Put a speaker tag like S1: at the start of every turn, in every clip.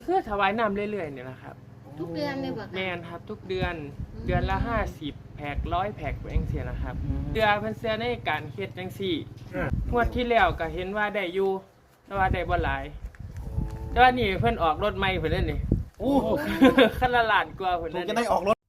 S1: คือถวายน้ำเรื่อยๆเนี่ยนะครับ
S2: ทุกเดือนเลยบ่คะ
S1: แม่นครับทุกเดือนละ50 แพ็ค100 แพ็คเองเสียนะครับเดือนเพิ่นเสียในการเฮ็ดจังซี่งวดที่แล้วก็เห็นว่าได้อยู่แต่ว่าได้บ่หลายแต่ว่านี่เพิ่นออกรถใหม่เพิ่นนั่นนี่โอ้คันละล้านกว่าเพิ่นนั่น
S3: จะได้ออกรถ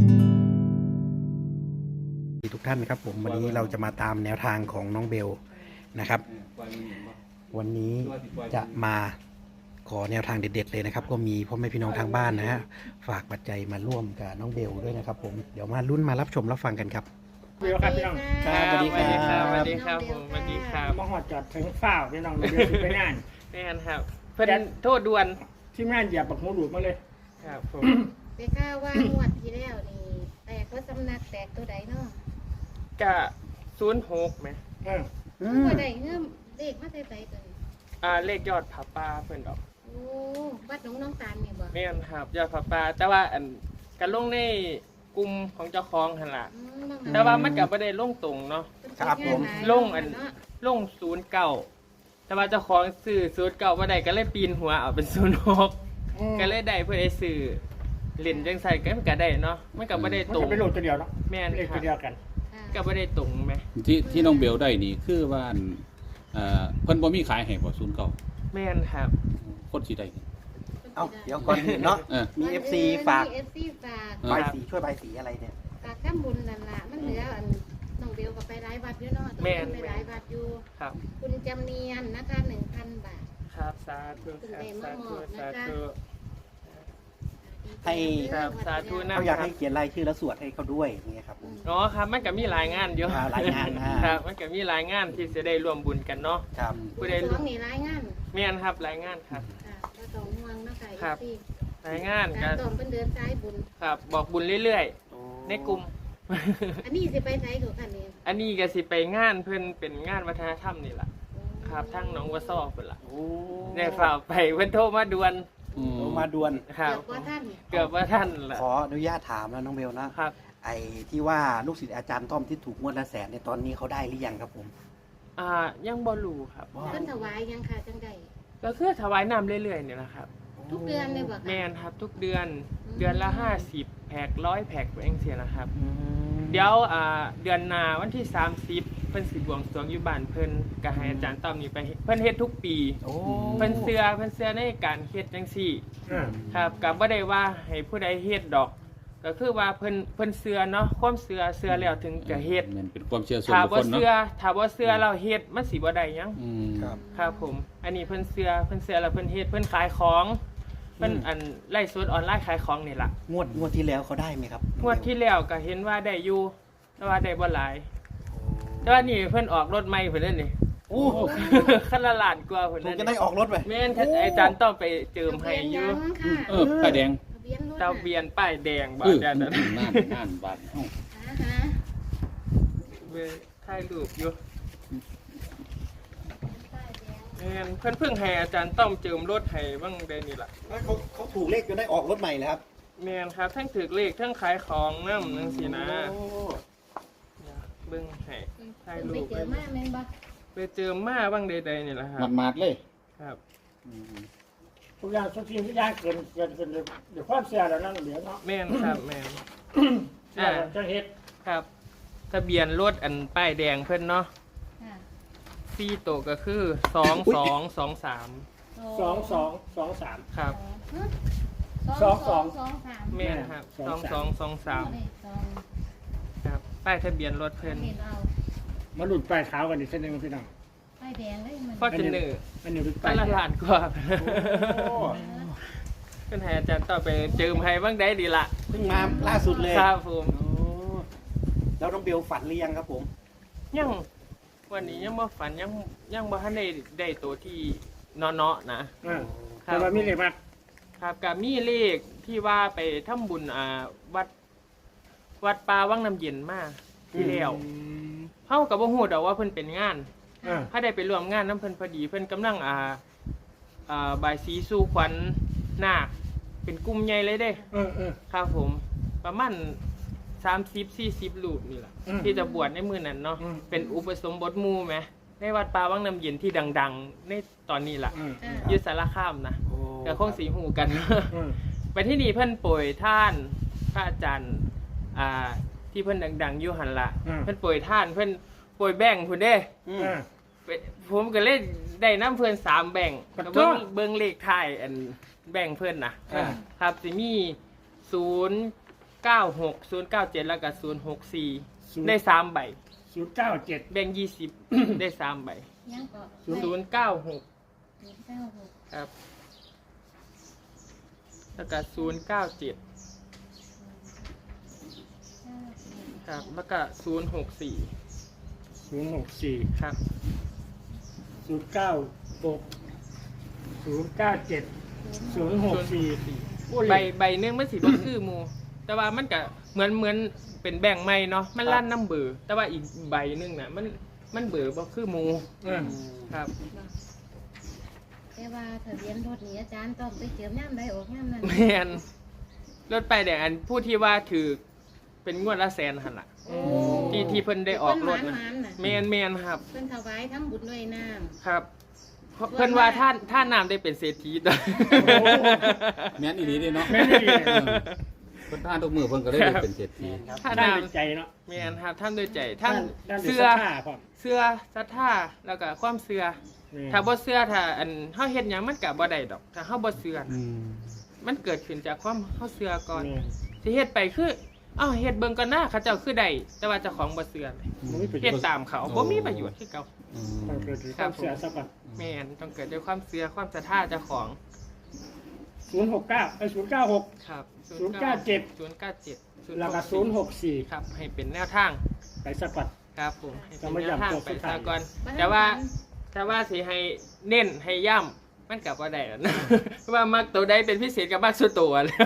S3: ทุกท่านครับผมวันนี้เราจะมาตามแนวทางของน้องเบลนะครับวันนี้จะมาขอแนวทางเด็ดๆเลยนะครับก็มีพ่อแม่พี่น้องทางบ้านนะฮะฝากปัจจัยมาร่วมกับน้องเบลด้วยนะครับผมเดี๋ยวมาลุ้นมารับชมรับฟังกันครับ
S4: เบลครับพี่น้อง
S3: ครับสวัสดีครับ
S1: สวัสดีครับผมสวัสดีครับ
S4: มาหอดจอดถึงฝ้าวพี่น้องเบลสิไปงาน
S1: แม่นครับเพิ่นโทษด่วน
S4: ที่งานเหยียบบักหูดูดมาเลย
S1: ครับผม
S2: ไปข้าวว่างวดที่แล้วนี่แตกก็สำนักแตกตัวใดเนาะ
S1: ก็06แหม
S2: ตัวใดเงื่อมเลขมาใส่ใส่ตัวนี้
S1: เลขยอดผาป่าเพิ่นดอก
S2: โอ้วัดหนองน้องตาลนี่บ่
S1: แม่นครับยอดผาป่าแต่ว่าอันกันลงในกลุ่มของเจ้าของหั่นล่ะแต่ว่ามันก็บ่ได้ลงตรงเนาะ
S3: ครับผม
S1: ลงลง09แต่ว่าเจ้าของซื้อ09บ่ได้ก็เลยปีนหัวเอาเป็น06ก็เลยได้เพื่อได้ซื้อเล่นจังไสก็ได้เนาะมันก็บ่ได้
S4: มัน
S1: ตรง
S4: จะเป็นโหลดตัวเดียวเนาะ
S1: แม่น
S4: เลข
S1: ครั
S4: ตัวเดียว
S1: บ
S4: กัน
S1: ก็บ่ได้ตรงแหม
S5: ที่น้องเบลได้นี่คือว่าเพิ่นบ่มีขายให้บ่09
S1: แม่นครับ
S5: คนสิได้
S3: เอ้าเดี๋ยวก่อนอื่นเนาะ มี FC ฝาก
S2: มี FC ฝาก
S3: ใบสีช่วยใบสีอะไรเนี่ย
S2: ฝากทำบุญนั่นล่ะมันเหลืออันน้องเบลก็ไปหลายวัดอยู่เนาะต้องไปหลายวัดอยู่
S1: ครับ
S2: คุณจำเนียนนะคะ 1,000 บาท
S1: ครับสาธุครับสาธุสาธุ
S3: ให้
S1: ครับสาธุนะ
S3: เขาอยาก
S1: ครั
S3: ให้
S1: บ
S3: เขียนรายชื่อแล้วสวดให้เขาด้วยอย่างเงี้ยครับผม
S1: อ๋อครับมันก็มีหลายงานอยู่
S3: หลายงานนะ
S1: ครับมันก็มีหลายงานที่จะได้ร่วมบุญกันเนาะ
S3: ครับ
S1: ผู้ใด
S2: สองนี่รายงาน
S1: แม่นครับหลายงานครับ
S2: ค่ะก็ต้องห่วงเนาะค่ะ
S1: ครับ
S2: FC
S1: หลายงาน
S2: กา
S1: กั
S2: ร
S1: น
S2: ตอมเป็นเดินซ้ายบุญ
S1: ครับบอกบุญเรื่อยๆในกลุ่ม
S2: อันนี้สิไปไสกับคันนี้
S1: อันนี้ก็สิไปงานเพิ่นเป็นงานวัฒนธรรมนี่ล่ะครับทั้งหนองวัวซ้อเพิ่นล่ะ
S3: โอ้
S1: ได้ฝากไปเพิ่นโทรมาด่วน
S3: มาด่วน
S1: ครับ
S2: เกือบว่าท่าน
S1: เกือบว่าท่านล่ะ
S3: ขออนุญาตถามแล้วน้องเบลนะครับ ไอ้ที่ว่าลูกศิษย์อาจารย์ต้อมที่ถูกงวดละแสนในยตอนนี้เขาได้หรือยังครับผม
S1: ยังบ่รู้ครับ
S2: เพิ่นถวายยังค่ะจังใด
S1: ก็คือถวายน้ำเรื่อยๆเนี่ยนะครับ
S2: ทุกเดือนเลยบ่คะ
S1: แม่นครับทุกเดือนละ50 แพ็ค100 แพ็คเองเสียนะครับ เดี๋ยวเดือนหน้าวันที่30เพิ่นสิบวงสรวงอยู่บ้านเพิ่นก็ให้อาจารย์ต้อมนี่ไปเพิ่นเฮ็ดทุกปี
S3: โอ้
S1: เพิ่นเชื่อในการเฮ็ดจังซี่ครับก็บ่ได้ว่าให้ผู้ใดเฮ็ดดอก ก็คือว่าเพิ่นเชื่อเนาะความเชื่อแล้วถึงจะเฮ็ด
S5: มันเป็นความเชื่อส่วน
S1: ถ้า
S5: บุค
S1: บ่
S5: คลเนาะ
S1: เชื่อเราเฮ็ดมันสิบ่ได้หยัง
S3: ครับ
S1: ครับผม อันนี้เพิ่นเชื่อแล้วเพิ่นเฮ็ดเพิ่นขายของเพิ่นอันไลฟ์สดออนไลน์ขายของนี่ล่ะ
S3: งวดที่แล้วเขาได้ไหมครับ
S1: งวดที่แล้วก็เห็นว่าได้อยู่แต่ว่าได้บ่หลายแต่ว่านี่เพิ่นออกรถใหม่เพิ่นนั่นนี่
S3: โอ้
S1: คันละล้านกว่าเพิ่น
S3: ถู
S1: นั่
S3: ก
S1: น
S3: จะได้ออกรถไป
S1: แม่นอาจารย์ต้องไปเจิมให้อยู่
S2: ทะเบีนยังค่ะ
S5: ป้ายแดง
S2: ทะเบียนรถ
S1: ทะเบียนป้ายแดงบ่
S5: นั่
S1: ได้นั้น
S5: นบาทเอ้า
S2: ฮะ
S1: เว้ยถ่ายรูปอยู่
S2: ป้ายแดง
S1: แม่นเพิ่นเพิ่งให้อาจารย์ต้องเจิมรถให้บ้างได้นี่ล่ะ
S3: เขาถูกเลขจนได้ออกรถใหม่เลยครับ
S1: แม่นครับทั้งถือเลขทั้งขายของนำจังซี่นะ
S3: โอ้
S1: เดี๋ยวเบิ่งให้ถ่ายรู
S2: ไป
S1: ป
S2: เจอมาแม่นบ่
S1: ไปเจิมมาบ้างใดๆนี่ล่ะครับ
S5: มาดๆเลย
S1: ครับ
S4: ทุกอย่างทุกสิ่งทุกอย่างเกินเดี๋ยวความเสียแล้วนั่นเหลือเนาะ
S1: แม่นครับแม่น
S4: เสียแล้วจะเฮ็ด
S1: ครับทะเบียนรถอันป้ายแดงเพิ่นเนาะ
S2: ค่ะ
S1: 4ตัวก็คือ2223
S4: 2223
S1: ครับ
S2: สองสองสาม
S1: แม่นครับ
S4: สองสาม
S1: 2223ครับป้ายทะเบียนรถเพิ่น
S2: เห็นเอา
S4: มาหลุดปลายเท้ากันอีกเส้นหนึงพี่น้อง
S2: ป้ายแดงเลยมัน
S1: ฟอร์จูเนอร์
S4: อันนี้หลุดป
S1: คั
S4: ลาย
S1: นละล้านกว่า
S4: โอ้
S1: เพิ่นให้อาจารย์ต่อไปเจิมให้บ้างได้ดีละ
S3: เพิ่งมาล่าสุดเลย
S1: ครับผม
S3: โอ้แล้วน้องเบลฝันหรือยังครับผม
S1: ยังวันนี้ยังบ่ฝันยังบ่ทันได้ตัวที่เนาะๆนะ
S4: แต่ว่ามีเลขมา
S1: ครับกับมีเลขที่ว่าไปทำบุญวัดป่าวังน้ำเย็นมาที่แล้วเฮาก็บ่ฮู้ดอกว่าเพิ่นเป็นงาน ถ้าได้ไปร่วมงานน้ำเพิ่นพอดีเพิ่นกำลังบายสีสู่ขวัญนาคเป็นกลุ่มใหญ่เลยเด้ ครับผม ประมาณ30-40 รูปนี่แหละ ที่จะบวชในมื้อนั้นเนาะเป็นอุปสมบทหมู่แหมในวัดป่าวังน้ำเย็นที่ดังๆ ในตอนนี้ล่ะ
S2: อ่า
S1: อยู่สารคามนะ
S3: โอ้
S1: ก็คงสีหูกัน
S4: อืม
S1: ไปที่นี่เพิ่นโปรยท่านพระอาจารย์ที่เพิ่นดังๆอยู่หันละเพิ่นโปรยท่านเพิ่นโปรยแบ่งพุ่นเด้
S4: อ่า
S1: ผมก็เลยได้น้ำเพิ่น3แบ่ง
S4: ขอโทษ
S1: เบิ่งเลขท้ายอันแบ่งเพิ่นน่ะ
S4: อ่า
S1: ครับสิมี096 097แล้วก็064ได้3ใบ
S4: 097
S1: แบ่ง20 ได้3ใบ
S2: ยังก็
S1: 096
S2: 096
S1: ครับแล้วก็097ครับแล้วก็064
S4: 064
S1: ครับ
S4: 096 097 064
S1: ใบหนึงมันสิบ่คือหมู่แต่ว่ามันก็เหมือนเป็นแบ่งใหม่เนาะมันลั่นน้ำเบอร์แต่ว่าอีกใบหนึงน่ะมันเบอร์บ่คือหมู่
S4: อืม
S1: ครับ
S2: แต่ว่าทะเบียนรถนี่อาจารย์ต้องไปเจิมย่ำใดออกย่ำนั้น
S1: แม่นรถไปายแดงอันผู้ที่ว่าถือเป็นงวดละแสนหั่นล่ะ
S2: โอ้
S1: ที่เพิ่นได้ออกรถ
S2: เพิ่น
S1: นะ
S2: หวานๆน่ะ
S1: แม่นครับ
S2: เพิ่นถวายทำบุญด้วยน้ำ
S1: ครับเพิ่นว่าท่านน้ำได้เป็นเศรษฐีตัว
S5: แม่นอีหลีเด้เนาะ
S4: แม่นอีหลี
S5: เพิ่นท่านทุกมือเพิ่นก็ได้เป็นเศรษฐี
S1: ท่าน
S4: ได้
S1: น้
S4: ในใจเนาะ
S1: ำแม่นครับท่านด้วยใจท่าน
S4: ด้าน
S1: เสื้
S4: เสื้
S1: อ
S4: อผ้าพร้อม
S1: เสื้อศรัทธาแล้วก็ความเสื้อ
S4: นี่
S1: ถ้าบ่เสื้อถ้าอันเฮาเฮ็ดหยังมันก็บ่ได้ดอก ถ้าเฮาบ่เสื้อ
S3: อืม
S1: มันเกิดขึ้นจากความเฮาเสื้อก่อน
S4: นี่
S1: สิเฮ็ดไปคืออ้าวเฮ็ดเบิ่งก่อนหน้าเขาเจ้าคือได้แต่ว่าเจ้าของบ่เสื้อเลย
S4: มันไม่เป็น
S1: เฮ็ดตามเขาบ่มีประโยชน์คือเก่า
S5: อืม
S4: ต้องเกิดจากความเสียสักก่อน
S1: แม่นต้องเกิดด้วยความเสื้อความศรัทธาเจ้าของ
S4: 069096
S1: ครับ
S4: 097
S1: 097
S4: แล้วก็064
S1: ครับให้เป็นแนวทาง
S4: ไปสักก่อน
S1: ครับผมให้เป็น
S4: จะมา
S1: แนวทาง
S4: ย้ำตัว
S1: ไป
S4: สุดท้าย
S1: ซะก่อนแต่ว่าสิให้เน้นให้ย่ำมันกลับว่าได้แล้วนะ เพราะว่ามักตัวใดเป็นพิเศษกับมักสุดตัวแล้ว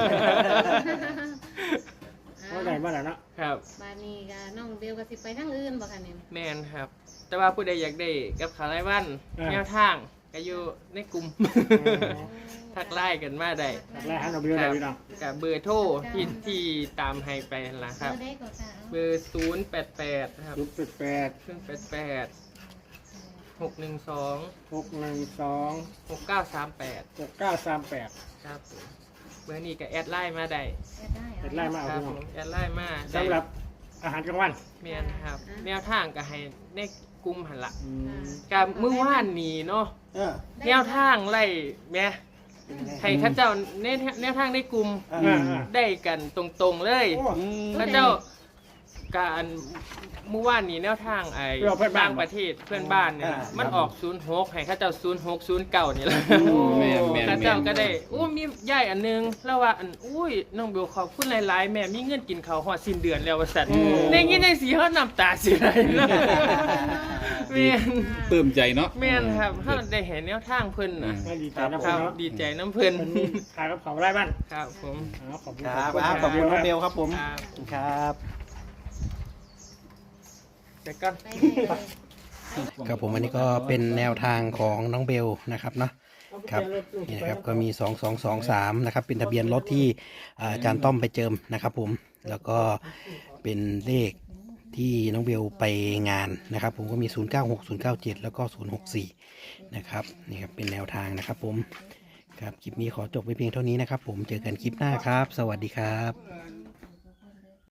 S4: เมื่อไหร่เมื่อไหร่เนาะ
S1: ครับ
S2: บานนี้ก็น้องเบลก็สิไปทางอื่นบ่คะเนี่ย
S1: แมนครับ แต่ว่าผู้ใดอยากได้กับขาวไร้วันแนวทางก็อยู่ในกลุ่ม ทักไล่กันมาได้
S4: จากแรกฮันเอาเบลได้พี่น้อง
S1: กับเบอร์โทรที่ตามให้ไปนั่นล่ะครับ
S2: เบอร์ได้ก็ค่ะ
S1: เบอร์088ครับ
S4: 088
S1: 088 612
S4: 612
S1: 6938
S4: 6938
S1: ครับผมเบอร์นี้ก็แอดไลน์มาได้
S4: แอดไลน์มา
S1: ครับ
S4: พี่
S1: ผ
S4: น้อง
S1: มแอดไลน์มาได้
S4: สำหรับอาหารกลางวัน
S1: แมนครับ แนวทางก็ให้ในกลุ่มหันละ
S4: อืม
S1: กับมื้อวานนี้เนาะ
S4: เออ
S1: แนวทางไล่แม่ให้เข้าเจ้าแนวทางในกลุ่ม ได้กันตรงๆเลย เข้าเจ้าการเมื่อวานนี้แนวทางไอ้ต่างประเทศเพื่อนบ้านเนี่ยมันออก06ให้เข้าเจ้า0609นี่แหละ
S5: แม่นแม่น
S1: เข้า
S5: แม่
S1: เจ้าน ก็ได้อู้มีย่ายอันนึงแล้วว่าอันอุ้ยน้องเบลขอบคุณหลายๆแม่มีเงินกินข้าวฮอดสิ้นเดือนแล้วว่าซั่นได้ยินจังสีเฮาน้ำตาสิไหลเลยแม่น
S5: ปลื้มใจเนาะ
S1: แม่นครับเฮาได้เห็นแนวทางเพิ่นน่ะ
S4: ไม่ดีใจนะ
S1: ค
S4: พ่อ
S1: รับ
S4: เนาะ
S1: ดีใจน้ำเพิ่น
S4: มันมีขายกับเขาไร่บ้าน
S1: ครับผม
S4: ขอบคุณ
S3: ครับขอบคุณน้องเบลครับผม
S1: ครับ
S3: ครับ
S1: แต่ก็
S2: ไปได้เลย
S3: ครับผมอันนี้ก็เป็นแนวทางของน้องเบลนะครับเนาะครับนี่นะครับก็มี2223นะครับเป็นทะเบียนรถที่อาจารย์ต้อมไปเจิมนะครับผมแล้วก็เป็นเลขที่น้องเบลไปงานนะครับผมก็มี096 097แล้วก็064นะครับนี่ครับเป็นแนวทางนะครับผมครับคลิปนี้ขอจบไว้เพียงเท่านี้นะครับผมเจอกันคลิปหน้าครับ สวัสดีครับ